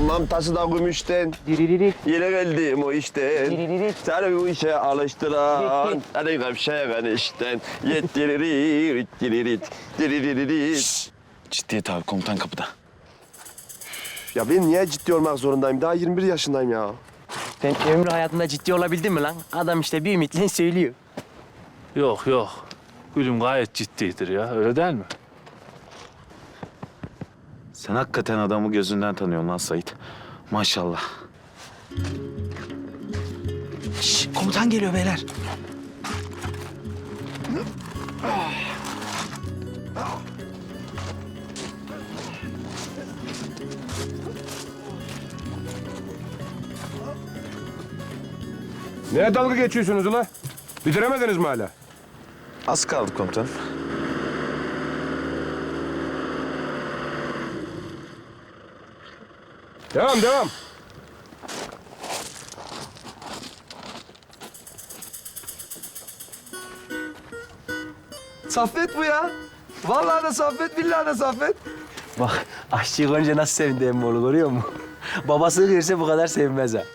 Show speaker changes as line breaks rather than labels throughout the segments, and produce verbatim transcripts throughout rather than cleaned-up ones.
Tamam taşı da gümüşten.
Diriririk.
Yine geldim o işten.
Diriririk.
Seni bu işe alıştıran. Hadi gevşeyen işten. Yettiririk, diririt, diriririt.
Ciddiyet abi, komutan kapıda.
Ya ben niye ciddi olmak zorundayım? Daha yirmi bir yaşındayım ya.
Sen ömrü hayatında ciddi olabildin mi lan? Adam işte bir ümitle söylüyor.
Yok yok. Gülüm gayet ciddidir ya. Öyle değil mi?
Sen hakikaten adamı gözünden tanıyorsun lan Sait. Maşallah. Şş, komutan geliyor beyler.
Neye dalga geçiyorsunuz ula? Bitiremediniz mi hala?
Az kaldı komutanım.
Devam, devam.
Saffet bu ya. Vallahi de Saffet, billahi de Saffet.
Bak aşçıyı görünce nasıl sevindi emmoğlu görüyor musun? Babası görse bu kadar sevmez ha.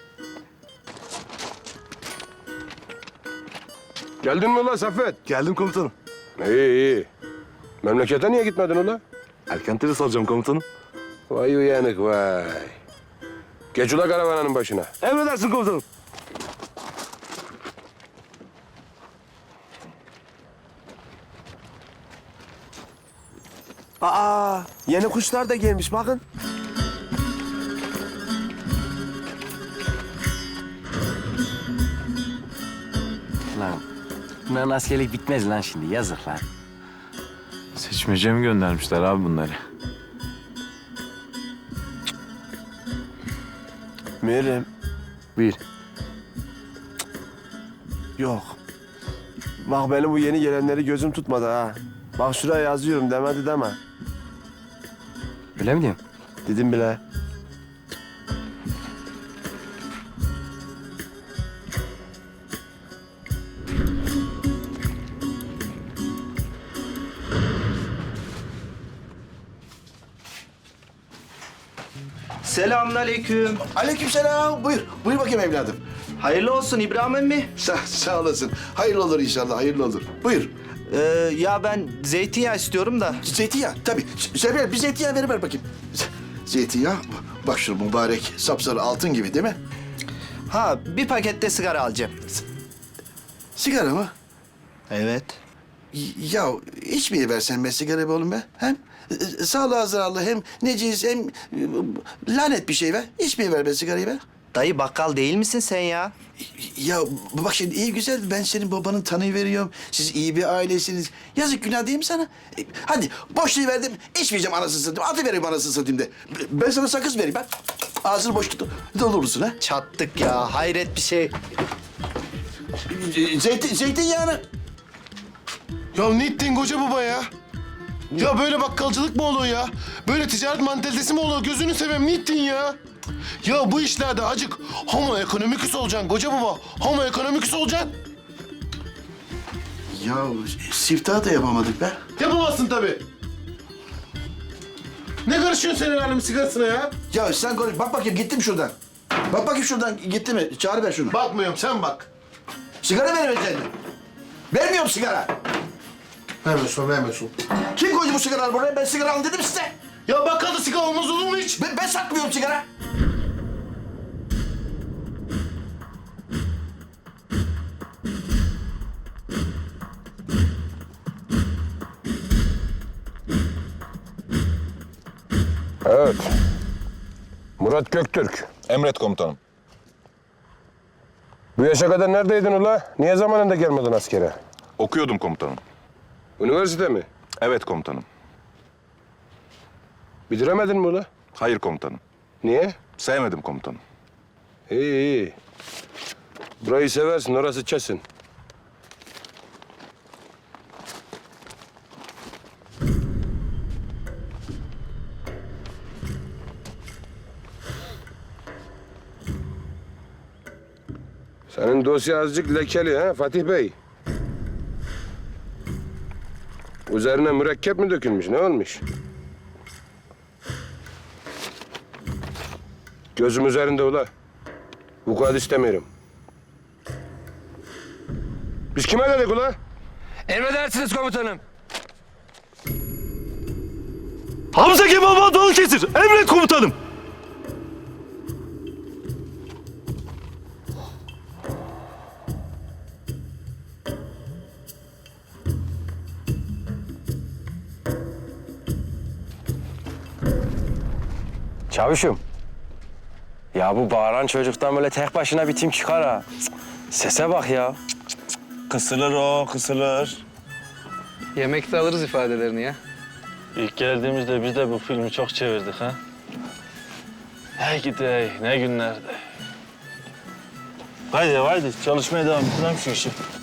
Geldin mi ula Saffet?
Geldim komutanım.
İyi, iyi. Memlekete niye gitmedin ula?
Erken terhis alacağım komutanım.
Vay uyanık vay. Geç ula karavananın başına.
Emredersin komutanım.
Aa, yeni kuşlar da gelmiş bakın.
Lan bunların askerlik bitmez lan şimdi yazık lan.
Seçmece mi göndermişler abi bunları?
Meryem,
Buyur.
yok. Bak benim bu yeni gelenleri gözüm tutmadı ha. Bak şuraya yazıyorum demedi deme.
Öyle mi diyorsun?
Dedim bile.
Selamünaleyküm.
Aleykümselam. Buyur. Buyur bakayım evladım.
Hayırlı olsun İbrahim emmi.
Sağ, sağ olasın. Hayırlı olur inşallah. Hayırlı olur. Buyur.
Ee, ya ben zeytinyağı istiyorum da.
Zeytinyağı. Tabii. Şerbel bir zeytinyağı veriver bakayım. Z- Zeytinyağı. Bak şu mübarek sapsarı altın gibi değil mi?
Ha bir pakette sigara alacağım.
Sigara mı?
Evet.
Y- Ya içmeyi versen be sigara be oğlum be. Hem e, sağlığa zararlı hem neciz hem e, lanet bir şey be. İçmeyi ver be sigarayı be.
Dayı bakkal değil misin sen ya?
Ya bak şimdi iyi güzel ben senin babanın tanıyı veriyorum. Siz iyi bir ailesiniz. Yazık günah değil mi sana? E, hadi boşluğu verdim. İçmeyeceğim anasını satayım. Atı vereyim anasını satayım de. Ben sana sakız vereyim bak. Ağzını boş tut. Doldurursun ha.
Çattık ya hayret bir şey.
E, Zeytin, zeytinyağını.
Ya ne ettin koca baba ya? Ya böyle bakkalcılık mı olur ya? Böyle ticaret mantalitesi mi olur? Gözünü seveyim ne ettin ya? Ya bu işlerde acık homo economicus olacaksın koca baba. Homo economicus olacaksın.
Ya siftah da yapamadık be.
Yapamazsın tabii. Ne karışıyorsun sen el alemin sigarasına ya?
Ya sen konuş. Bak bakayım gitti mi şuradan? Bak bakayım şuradan gitti mi? Çağır ver şunu.
Bakmıyorum sen bak.
Sigara vermeyeceksin. Vermiyorum sigara.
Vermiyorsun vermiyorsun.
Kim koydu bu sigaraları buraya? Ben sigara alın dedim size.
Ya bakkalda sigara olmaz olur mu hiç?
Ben, ben satmıyorum sigara.
Evet. Murat Göktürk.
Emret komutanım.
Bu yaşa kadar neredeydin ula? Niye zamanında gelmedin askere?
Okuyordum komutanım.
Üniversite mi?
Evet komutanım.
Bitiremedin mi ula?
Hayır komutanım.
Niye?
Sevmedim komutanım.
İyi iyi. Burayı seversin, orası kesin. Senin dosya azıcık lekeli ha Fatih Bey. Üzerine mürekkep mi dökülmüş, ne olmuş? Gözüm üzerinde ula. Vukuat istemiyorum. Biz kime dedik ula?
Emredersiniz komutanım.
Hamza Kemal Balıkesir, emret komutanım.
Çavuşum. Ya bu bağıran çocuktan böyle tek başına bir tim çıkar ha. Cık, sese bak ya.
Kısılır o, kısılır.
Yemekte alırız ifadelerini ya.
İlk geldiğimizde biz de bu filmi çok çevirdik ha. Hey gidi ne günlerdi.
Haydi haydi çalışmaya devam edelim şu işi.